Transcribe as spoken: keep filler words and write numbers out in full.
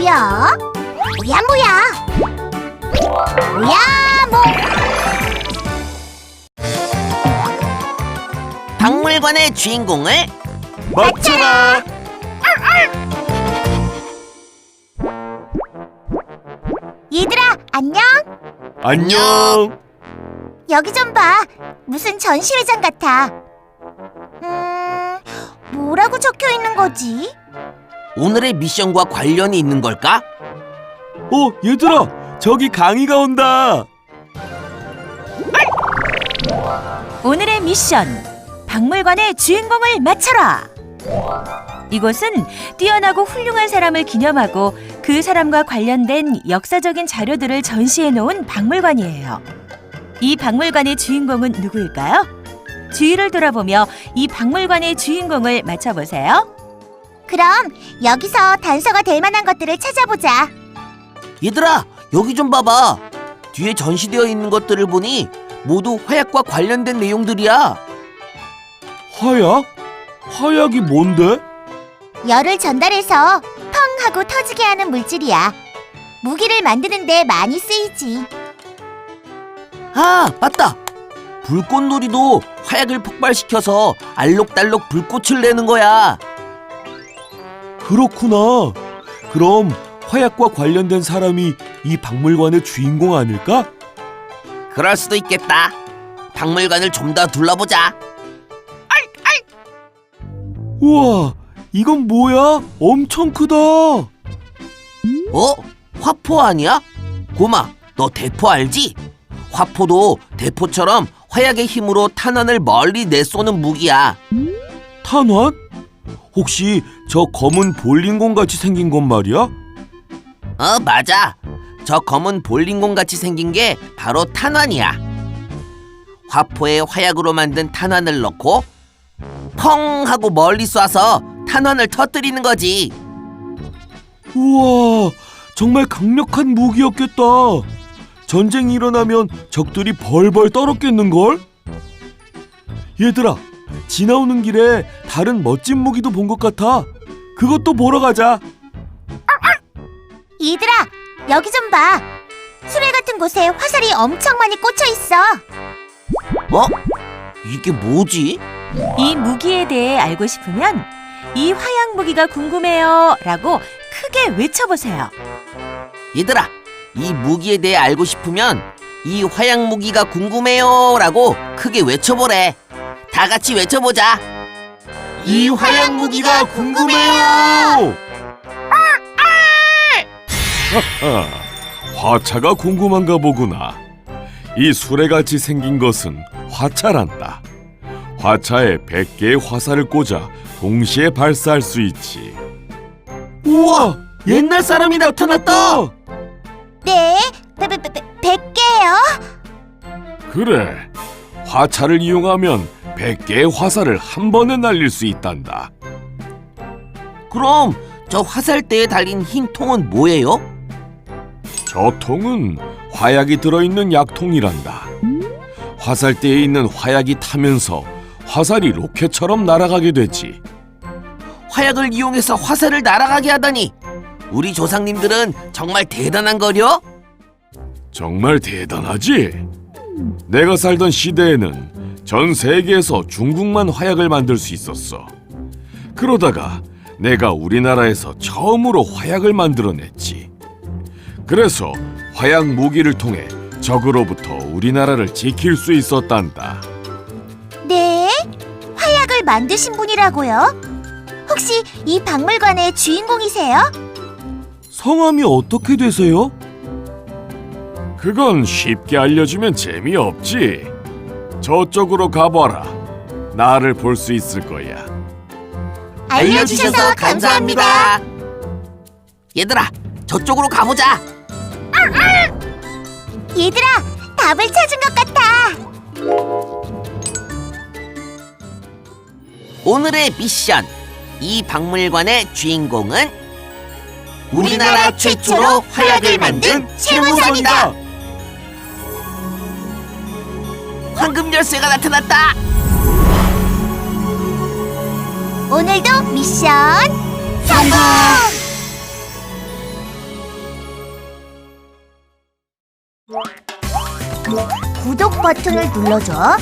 뭐야? 뭐야 뭐야? 뭐야 뭐? 박물관의 주인공을 맞춰라! 얘들아 안녕? 안녕! 여기 좀 봐. 무슨 전시회장 같아. 음... 뭐라고 적혀 있는 거지? 오늘의 미션과 관련이 있는 걸까? 어, 얘들아! 저기 강이가 온다! 오늘의 미션, 박물관의 주인공을 맞춰라! 이곳은 뛰어나고 훌륭한 사람을 기념하고 그 사람과 관련된 역사적인 자료들을 전시해 놓은 박물관이에요. 이 박물관의 주인공은 누구일까요? 주위를 돌아보며 이 박물관의 주인공을 맞춰보세요. 그럼 여기서 단서가 될 만한 것들을 찾아보자. 얘들아, 여기 좀 봐봐. 뒤에 전시되어 있는 것들을 보니 모두 화약과 관련된 내용들이야. 화약? 화약이 뭔데? 열을 전달해서 펑 하고 터지게 하는 물질이야. 무기를 만드는 데 많이 쓰이지. 아, 맞다. 불꽃놀이도 화약을 폭발시켜서 알록달록 불꽃을 내는 거야. 그렇구나. 그럼 화약과 관련된 사람이 이 박물관의 주인공 아닐까? 그럴 수도 있겠다. 박물관을 좀 더 둘러보자. 우와, 이건 뭐야? 엄청 크다. 어? 화포 아니야? 고마, 너 대포 알지? 화포도 대포처럼 화약의 힘으로 탄환을 멀리 내쏘는 무기야. 탄환? 혹시 저 검은 볼링공 같이 생긴 건 말이야? 어, 맞아. 저 검은 볼링공 같이 생긴 게 바로 탄환이야. 화포에 화약으로 만든 탄환을 넣고 펑 하고 멀리 쏴서 탄환을 터뜨리는 거지. 우와, 정말 강력한 무기였겠다. 전쟁이 일어나면 적들이 벌벌 떨었겠는걸? 얘들아, 지나오는 길에 다른 멋진 무기도 본 것 같아. 그것도 보러 가자. 얘들아, 여기 좀 봐. 수레 같은 곳에 화살이 엄청 많이 꽂혀 있어. 어? 이게 뭐지? 이 무기에 대해 알고 싶으면 이 화약 무기가 궁금해요 라고 크게 외쳐보세요. 얘들아, 이 무기에 대해 알고 싶으면 이 화약 무기가 궁금해요 라고 크게 외쳐보래. 다 같이 외쳐보자. 이 화약 무기가 궁금해요. 하하, 화차가 궁금한가 보구나. 이 수레같이 생긴 것은 화차란다. 화차에 백 개의 화살을 꽂아 동시에 발사할 수 있지. 우와, 옛날 사람이 나타났다. 네, 백 개요? 그래, 화차를 이용하면 백 개의 화살을 한 번에 날릴 수 있단다. 그럼 저 화살대에 달린 흰 통은 뭐예요? 저 통은 화약이 들어있는 약통이란다. 화살대에 있는 화약이 타면서 화살이 로켓처럼 날아가게 되지. 화약을 이용해서 화살을 날아가게 하다니 우리 조상님들은 정말 대단한 거려? 정말 대단하지? 내가 살던 시대에는 전 세계에서 중국만 화약을 만들 수 있었어. 그러다가 내가 우리나라에서 처음으로 화약을 만들어냈지. 그래서 화약 무기를 통해 적으로부터 우리나라를 지킬 수 있었단다. 네? 화약을 만드신 분이라고요? 혹시 이 박물관의 주인공이세요? 성함이 어떻게 되세요? 그건 쉽게 알려주면 재미없지. 저쪽으로 가봐라. 나를 볼 수 있을 거야. 알려주셔서 감사합니다. 얘들아, 저쪽으로 가보자. 얘들아, 답을 찾은 것 같아. 오늘의 미션, 이 박물관의 주인공은 우리나라 최초로 화약을 만든 최무선이다. 황금 열쇠가 나타났다. 오늘도 미션 성공! 구독 버튼을 눌러줘.